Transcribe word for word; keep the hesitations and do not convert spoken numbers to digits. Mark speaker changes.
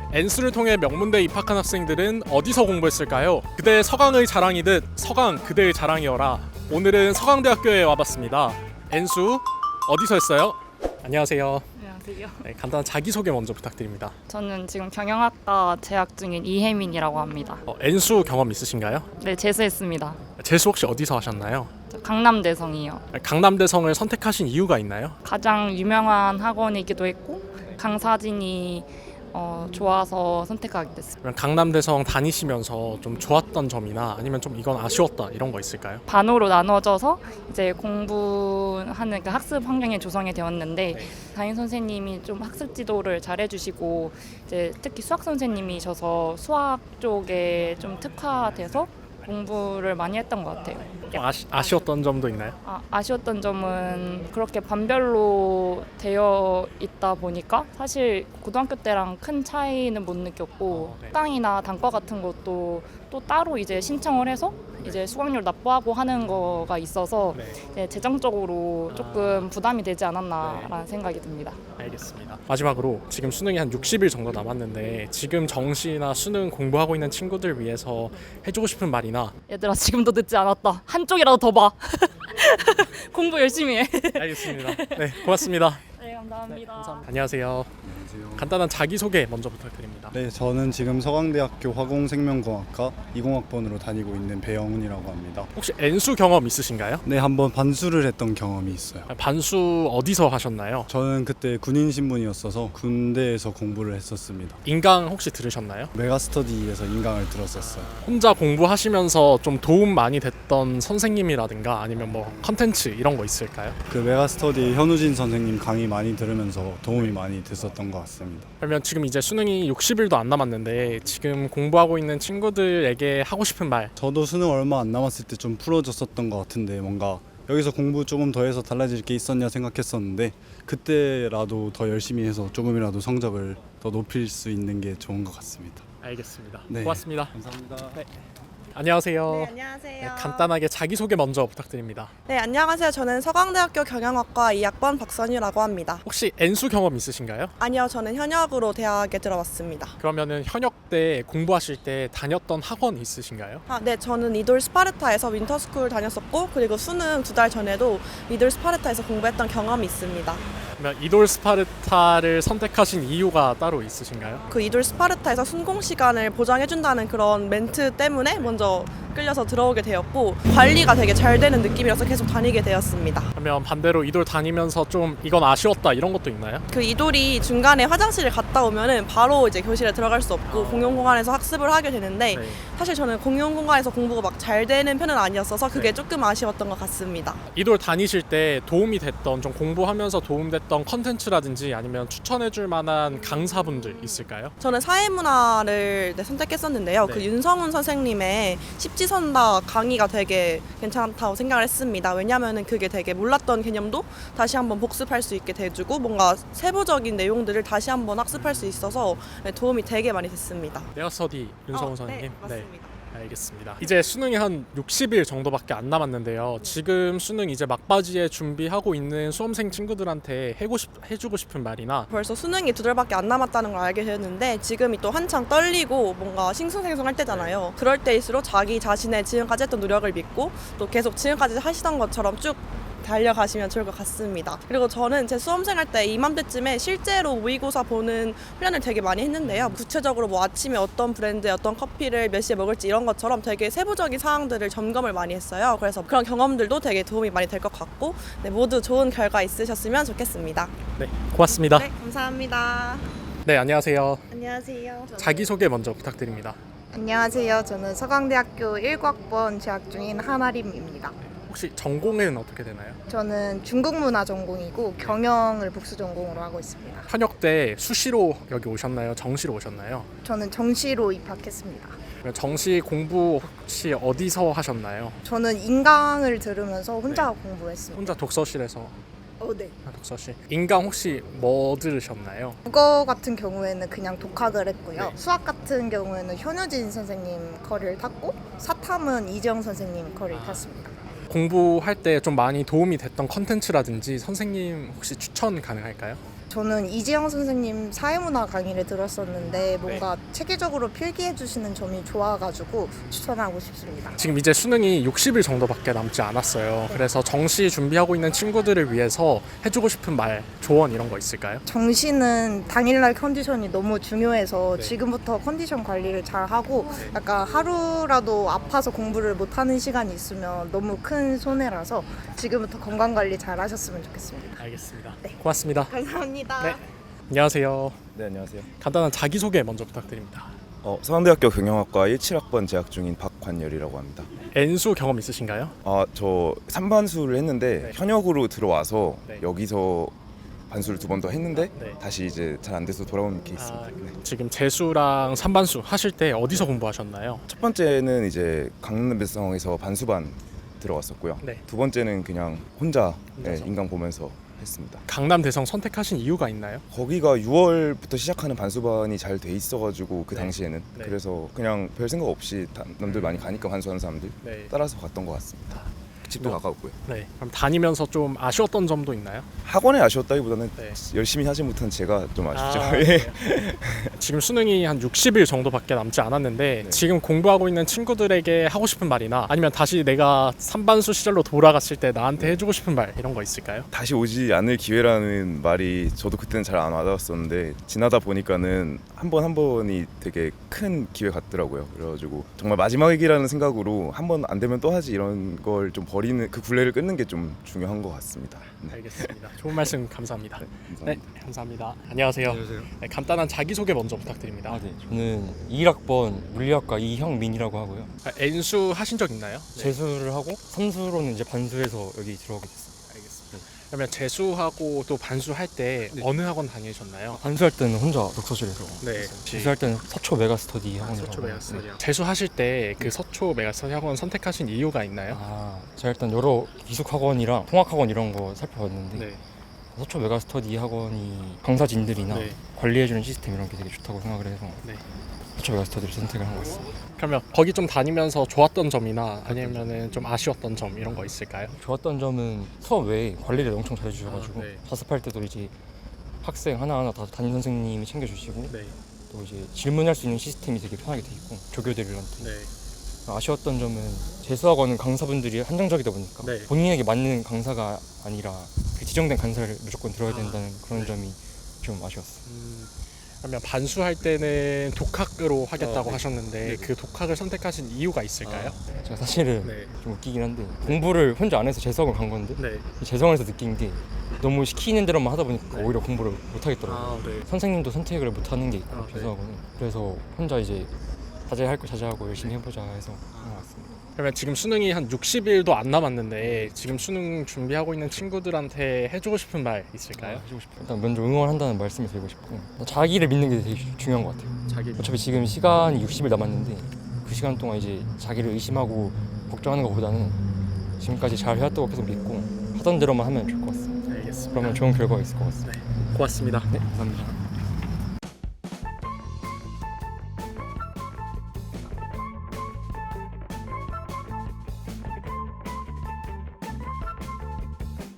Speaker 1: 엔수를 통해 명문대에 입학한 학생들은 어디서 공부했을까요? 그대 서강의 자랑이듯 서강 그대의 자랑이어라. 오늘은 서강대학교에 와봤습니다. 엔수 어디서 했어요? 안녕하세요.
Speaker 2: 안녕하세요.
Speaker 1: 네, 간단한 자기소개 먼저 부탁드립니다.
Speaker 2: 저는 지금 경영학과 재학 중인 이혜민이라고 합니다.
Speaker 1: 어, 엔수 경험 있으신가요?
Speaker 2: 네, 재수했습니다.
Speaker 1: 재수 혹시 어디서 하셨나요?
Speaker 2: 저 강남대성이요.
Speaker 1: 강남대성을 선택하신 이유가 있나요?
Speaker 2: 가장 유명한 학원이기도 했고 강사진이 어, 좋아서 선택하게 됐습니다.
Speaker 1: 그러면 강남대성 다니시면서 좀 좋았던 점이나 아니면 좀 이건 아쉬웠다 이런 거 있을까요?
Speaker 2: 반으로 나눠져서 이제 공부하는 그 학습 환경이 조성이 되었는데
Speaker 1: 네.
Speaker 2: 담임 선생님이 좀 학습 지도를 잘 해주시고 이제 특히 수학 선생님이셔서 수학 쪽에 좀 특화돼서 공부를 많이 했던 것 같아요.
Speaker 1: 좀 아시, 아쉬웠던 점도 있나요?
Speaker 2: 아, 아쉬웠던 점은 그렇게 반별로 되어 있다 보니까 사실 고등학교 때랑 큰 차이는 못 느꼈고
Speaker 1: 어, 네.
Speaker 2: 학당이나 단과 같은 것도 또 따로 이제 신청을 해서 이제 수강료를 납부하고 하는 거가 있어서
Speaker 1: 네.
Speaker 2: 이제 재정적으로 조금
Speaker 1: 아.
Speaker 2: 부담이 되지 않았나라는
Speaker 1: 네.
Speaker 2: 생각이 듭니다.
Speaker 1: 알겠습니다. 마지막으로 지금 수능이 한 육십 일 정도 남았는데 지금 정시나 수능 공부하고 있는 친구들 위해서 해주고 싶은 말이나
Speaker 2: 얘들아 지금도 늦지 않았다. 한쪽이라도 더 봐. 공부 열심히 해.
Speaker 1: 알겠습니다. 네, 고맙습니다.
Speaker 2: 네, 감사합니다.
Speaker 1: 네, 감사합니다. 안녕하세요.
Speaker 3: 안녕하세요.
Speaker 1: 간단한 자기소개 먼저 부탁드립니다.
Speaker 3: 네, 저는 지금 서강대학교 화공생명공학과 이공학번으로 다니고 있는 배영훈이라고 합니다.
Speaker 1: 혹시 엔수 경험 있으신가요?
Speaker 3: 네, 한번 반수를 했던 경험이 있어요.
Speaker 1: 반수 어디서 하셨나요?
Speaker 3: 저는 그때 군인 신분이었어서 군대에서 공부를 했었습니다.
Speaker 1: 인강 혹시 들으셨나요?
Speaker 3: 메가스터디에서 인강을 들었었어요.
Speaker 1: 혼자 공부하시면서 좀 도움 많이 됐던 선생님이라든가 아니면 뭐 컨텐츠 이런 거 있을까요?
Speaker 3: 그 메가스터디 현우진 선생님 강의 많이 들으면서 도움이 많이 됐었던 것 같습니다.
Speaker 1: 그러면 지금 이제 수능이 육십 일도 안 남았는데 지금 공부하고 있는 친구들에게 하고 싶은 말.
Speaker 3: 저도 수능 얼마 안 남았을 때 좀 풀어졌었던 것 같은데 뭔가 여기서 공부 조금 더 해서 달라질 게 있었냐 생각했었는데 그때라도 더 열심히 해서 조금이라도 성적을 더 높일 수 있는 게 좋은 것 같습니다.
Speaker 1: 알겠습니다.
Speaker 3: 네.
Speaker 1: 고맙습니다.
Speaker 3: 감사합니다.
Speaker 1: 네. 안녕하세요.
Speaker 4: 네, 안녕하세요.
Speaker 1: 네, 간단하게 자기소개 먼저 부탁드립니다.
Speaker 4: 네, 안녕하세요. 저는 서강대학교 경영학과 이 학번 박선유라고 합니다.
Speaker 1: 혹시 엔수 경험 있으신가요?
Speaker 4: 아니요, 저는 현역으로 대학에 들어왔습니다.
Speaker 1: 그러면은 현역 때 공부하실 때 다녔던 학원 있으신가요?
Speaker 4: 아, 네, 저는 이돌 스파르타에서 윈터스쿨 다녔었고 그리고 수능 두 달 전에도 이돌 스파르타에서 공부했던 경험이 있습니다.
Speaker 1: 그러면 이돌 스파르타를 선택하신 이유가 따로 있으신가요?
Speaker 4: 그 이돌 스파르타에서 순공 시간을 보장해준다는 그런 멘트 때문에 먼저 끌려서 들어오게 되었고 관리가 되게 잘 되는 느낌이라서 계속 다니게 되었습니다.
Speaker 1: 그러면 반대로 이돌 다니면서 좀 이건 아쉬웠다 이런 것도 있나요?
Speaker 4: 그 이돌이 중간에 화장실을 갔다 오면은 바로 이제 교실에 들어갈 수 없고 공용 공간에서 학습을 하게 되는데
Speaker 1: 네.
Speaker 4: 사실 저는 공용 공간에서 공부가 막 잘 되는 편은 아니었어서 그게
Speaker 1: 네.
Speaker 4: 조금 아쉬웠던 것 같습니다.
Speaker 1: 이돌 다니실 때 도움이 됐던 좀 공부하면서 도움됐던 컨텐츠라든지 아니면 추천해줄 만한 강사분들 있을까요?
Speaker 4: 저는 사회문화를 네, 선택했었는데요.
Speaker 1: 네.
Speaker 4: 그 윤성훈 선생님의 십지선다 강의가 되게 괜찮다고 생각을 했습니다. 왜냐하면 그게 되게 몰랐던 개념도 다시 한번 복습할 수 있게 돼주고 뭔가 세부적인 내용들을 다시 한번 학습할 수 있어서 네, 도움이 되게 많이 됐습니다.
Speaker 1: 메가스터디 윤성훈
Speaker 4: 어,
Speaker 1: 선생님.
Speaker 4: 네, 맞습니다.
Speaker 1: 알겠습니다. 이제 수능이 한 육십 일 정도밖에 안 남았는데요. 지금 수능 이제 막바지에 준비하고 있는 수험생 친구들한테 해고 싶, 해주고 싶은 말이나
Speaker 4: 벌써 수능이 두 달밖에 안 남았다는 걸 알게 되었는데 지금이 또 한창 떨리고 뭔가 싱숭생숭할 때잖아요. 그럴 때일수록 자기 자신의 지금까지 했던 노력을 믿고 또 계속 지금까지 하시던 것처럼 쭉 달려가시면 좋을 것 같습니다. 그리고 저는 제 수험생활 때 이맘때쯤에 실제로 모의고사 보는 훈련을 되게 많이 했는데요. 구체적으로 뭐 아침에 어떤 브랜드의 어떤 커피를 몇 시에 먹을지 이런 것처럼 되게 세부적인 사항들을 점검을 많이 했어요. 그래서 그런 경험들도 되게 도움이 많이 될 것 같고 네, 모두 좋은 결과 있으셨으면 좋겠습니다.
Speaker 1: 네, 고맙습니다.
Speaker 4: 네, 감사합니다.
Speaker 1: 네, 안녕하세요.
Speaker 5: 안녕하세요.
Speaker 1: 자기소개 먼저 부탁드립니다.
Speaker 5: 안녕하세요. 저는 서강대학교 일 학번 재학 중인 한아림입니다.
Speaker 1: 혹시 전공은 어떻게 되나요?
Speaker 5: 저는 중국문화 전공이고 경영을 복수 전공으로 하고 있습니다.
Speaker 1: 현역 때 수시로 여기 오셨나요? 정시로 오셨나요?
Speaker 5: 저는 정시로 입학했습니다.
Speaker 1: 그러면 정시 공부 혹시 어디서 하셨나요?
Speaker 5: 저는 인강을 들으면서 혼자
Speaker 1: 네.
Speaker 5: 공부했습니다.
Speaker 1: 혼자 독서실에서.
Speaker 5: 어, 네.
Speaker 1: 아, 독서실. 인강 혹시 뭐 들으셨나요?
Speaker 5: 국어 같은 경우에는 그냥 독학을 했고요.
Speaker 1: 네.
Speaker 5: 수학 같은 경우에는 현우진 선생님 커리를 탔고 사탐은 이정 선생님 커리를
Speaker 1: 아.
Speaker 5: 탔습니다.
Speaker 1: 공부할 때 좀 많이 도움이 됐던 컨텐츠라든지 선생님 혹시 추천 가능할까요?
Speaker 5: 저는 이지영 선생님 사회문화 강의를 들었었는데 뭔가 체계적으로 필기해 주시는 점이 좋아가지고 추천하고 싶습니다.
Speaker 1: 지금 이제 수능이 육십 일 정도밖에 남지 않았어요. 그래서 정시 준비하고 있는 친구들을 위해서 해주고 싶은 말, 조언 이런 거 있을까요?
Speaker 5: 정시는 당일날 컨디션이 너무 중요해서
Speaker 1: 네.
Speaker 5: 지금부터 컨디션 관리를 잘 하고 약간 하루라도 아파서 공부를 못하는 시간이 있으면 너무 큰 손해라서 지금부터 건강 관리 잘 하셨으면 좋겠습니다.
Speaker 1: 알겠습니다.
Speaker 5: 네.
Speaker 1: 고맙습니다.
Speaker 5: 감사합니다.
Speaker 1: 네. 안녕하세요.
Speaker 6: 네, 안녕하세요.
Speaker 1: 간단한 자기소개 먼저 부탁드립니다.
Speaker 6: 어, 서강대학교 경영학과 십칠 학번 재학 중인 박관열이라고 합니다.
Speaker 1: N수 경험 있으신가요?
Speaker 6: 아, 저 삼반수를 했는데
Speaker 1: 네.
Speaker 6: 현역으로 들어와서
Speaker 1: 네.
Speaker 6: 여기서 반수를 두 번 더 했는데
Speaker 1: 네.
Speaker 6: 다시 이제 잘 안 돼서 돌아온 케이스입니다.
Speaker 1: 아,
Speaker 6: 네.
Speaker 1: 지금 재수랑 삼반수 하실 때 어디서 공부하셨나요?
Speaker 6: 첫 번째는 이제 강남배성에서 반수반 들어갔었고요.
Speaker 1: 네.
Speaker 6: 두 번째는 그냥 혼자 네,
Speaker 1: 혼자서?
Speaker 6: 인강 보면서 했습니다.
Speaker 1: 강남 대성 선택하신 이유가 있나요?
Speaker 6: 거기가 유월부터 시작하는 반수반이 잘 돼 있어가지고 그
Speaker 1: 네.
Speaker 6: 당시에는
Speaker 1: 네.
Speaker 6: 그래서 그냥 별 생각 없이 다- 남들 많이 가니까 반수하는 사람들
Speaker 1: 네.
Speaker 6: 따라서 갔던 것 같습니다. 집도
Speaker 1: 뭐.
Speaker 6: 가까웠고요.
Speaker 1: 네. 그럼 다니면서 좀 아쉬웠던 점도 있나요?
Speaker 6: 학원에 아쉬웠다기보다는
Speaker 1: 네.
Speaker 6: 열심히 하지 못한 제가 좀 아쉽죠.
Speaker 1: 아,
Speaker 6: 예.
Speaker 1: 네. 지금 수능이 한 육십 일 정도밖에 남지 않았는데
Speaker 6: 네.
Speaker 1: 지금 공부하고 있는 친구들에게 하고 싶은 말이나 아니면 다시 내가 삼반수 시절로 돌아갔을 때 나한테 해주고 싶은 말 이런 거 있을까요?
Speaker 6: 다시 오지 않을 기회라는 말이 저도 그때는 잘 안 와닿았었는데 지나다 보니까는 한 번 한 번이 되게 큰 기회 같더라고요. 그래가지고 정말 마지막이라는 생각으로 한 번 안 되면 또 하지 이런 걸 좀 버리는 그 굴레를 끊는 게 좀 중요한 것 같습니다. 네.
Speaker 1: 알겠습니다. 좋은 말씀 감사합니다.
Speaker 6: 네,
Speaker 1: 네,
Speaker 6: 감사합니다.
Speaker 1: 감사합니다. 안녕하세요.
Speaker 7: 안녕하세요.
Speaker 1: 네, 간단한 자기소개 먼저 부탁드립니다.
Speaker 7: 아, 네. 저는 이일 학번 물리학과 이형민이라고 하고요.
Speaker 1: 아, N수 하신 적 있나요? 네.
Speaker 7: 재수를 하고 삼수로는 이제 반수해서 여기 들어오게 됐어요.
Speaker 1: 알겠습니다. 그러면 재수하고 또 반수할 때
Speaker 7: 네.
Speaker 1: 어느 학원 다니셨나요?
Speaker 7: 반수할 때는 혼자 독서실에서
Speaker 1: 네.
Speaker 7: 재수할 때는 서초 메가스터디 학원이라고
Speaker 1: 서초
Speaker 7: 하고요.
Speaker 1: 메가스터디요. 재수하실 때 그 서초 메가스터디 학원 선택하신 이유가 있나요?
Speaker 7: 아, 제가 일단 여러 기숙 학원이랑 통학 학원 이런 거 살펴봤는데
Speaker 1: 네.
Speaker 7: 서초 메가스터디 학원이 강사진들이나
Speaker 1: 네.
Speaker 7: 관리해주는 시스템 이런 게 되게 좋다고 생각을 해서
Speaker 1: 네.
Speaker 7: 서초 메가스터디를 선택을 한 것 같습니다.
Speaker 1: 그러면 거기 좀 다니면서 좋았던 점이나 아니면은 좀 아쉬웠던 점 이런 거 있을까요?
Speaker 7: 좋았던 점은 수업 외에 관리를 엄청 잘해주셔가지고
Speaker 1: 아, 네.
Speaker 7: 자습할 때도 이제 학생 하나하나 다 담임 선생님이 챙겨주시고
Speaker 1: 네.
Speaker 7: 또 이제 질문할 수 있는 시스템이 되게 편하게 돼 있고 조교들한테
Speaker 1: 네.
Speaker 7: 아쉬웠던 점은 재수학원은 강사분들이 한정적이다 보니까
Speaker 1: 네.
Speaker 7: 본인에게 맞는 강사가 아니라 그 지정된 강사를 무조건 들어야 된다는
Speaker 1: 아,
Speaker 7: 그런
Speaker 1: 네.
Speaker 7: 점이 좀 아쉬웠어요.
Speaker 1: 음, 그러면 반수할 때는 독학으로 하겠다고
Speaker 7: 어, 네.
Speaker 1: 하셨는데
Speaker 7: 네.
Speaker 1: 그 독학을 선택하신 이유가 있을까요?
Speaker 7: 제가 사실은
Speaker 1: 네.
Speaker 7: 좀 웃기긴 한데 공부를 혼자 안 해서 재수학원 간 건데
Speaker 1: 네.
Speaker 7: 재수학원에서 느낀 게 너무 시키는 대로만 하다 보니까
Speaker 1: 네.
Speaker 7: 오히려 공부를 못 하겠더라고요.
Speaker 1: 아, 네.
Speaker 7: 선생님도 선택을 못 하는 게 있고
Speaker 1: 아, 네.
Speaker 7: 재수학원은 그래서 혼자 이제 자제할 거 자제하고 열심히 해보자 해서 한 것 같습니다.
Speaker 1: 그러면 지금 수능이 한 육십 일도 안 남았는데 지금 수능 준비하고 있는 친구들한테 해주고 싶은 말 있을까요?
Speaker 7: 아, 해주고 싶어요. 일단 먼저 응원한다는 말씀을 드리고 싶고 자기를 믿는 게 되게 중요한 것 같아요.
Speaker 1: 자기
Speaker 7: 어차피 지금 시간이 육십 일 남았는데 그 시간 동안 이제 자기를 의심하고 걱정하는 것보다는 지금까지 잘 해왔다고 계속 믿고 하던 대로만 하면 좋을 것 같습니다.
Speaker 1: 알겠습니다.
Speaker 7: 그러면 좋은 결과가 있을 것 같습니다.
Speaker 1: 고맙습니다.
Speaker 7: 네, 감사합니다.